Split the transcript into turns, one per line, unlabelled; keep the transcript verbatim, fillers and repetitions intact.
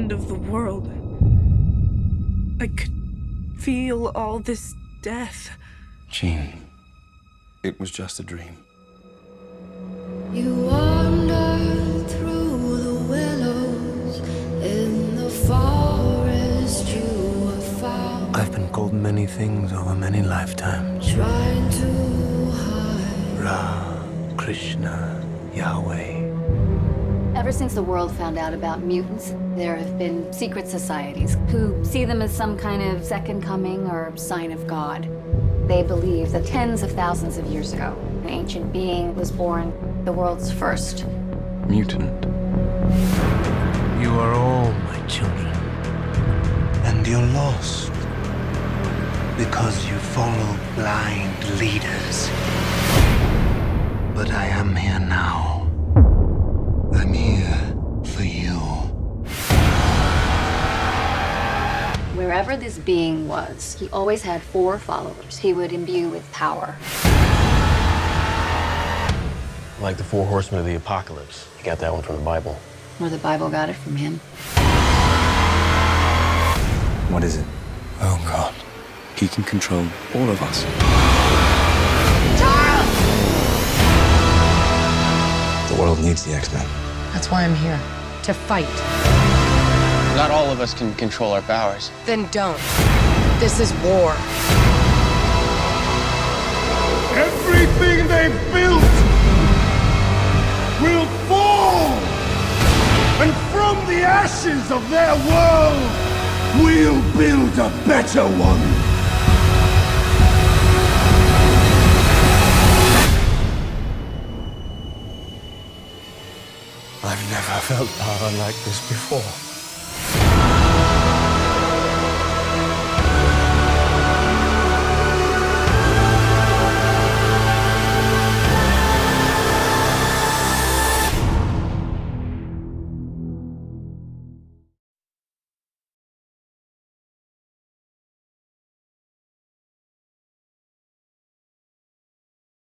end of the world. I could feel all this death.
Jean, it was just a dream.
You wander through the willows in the forest you have found.
I've been called many things over many lifetimes.
Trying to hide.
Ra, Krishna, Yahweh.
Ever since the world found out about mutants, there have been secret societies who see them as some kind of second coming or sign of God. They believe that tens of thousands of years ago, an ancient being was born, the world's first.
Mutant.
You are all my children. And you're lost. Because you follow blind leaders. But I am here now. I'm here for you.
Wherever this being was, he always had four followers he would imbue with power.
Like the four horsemen of the apocalypse. You got that one from the Bible.
Or the Bible got it from him.
What is it?
Oh, God.
He can control all of us.
The world needs the X-Men.
That's why I'm here. To fight.
Not all of us can control our powers.
Then don't. This is war.
Everything they've built will fall! And from the ashes of their world, we'll build a better one!
I've never felt power like this before.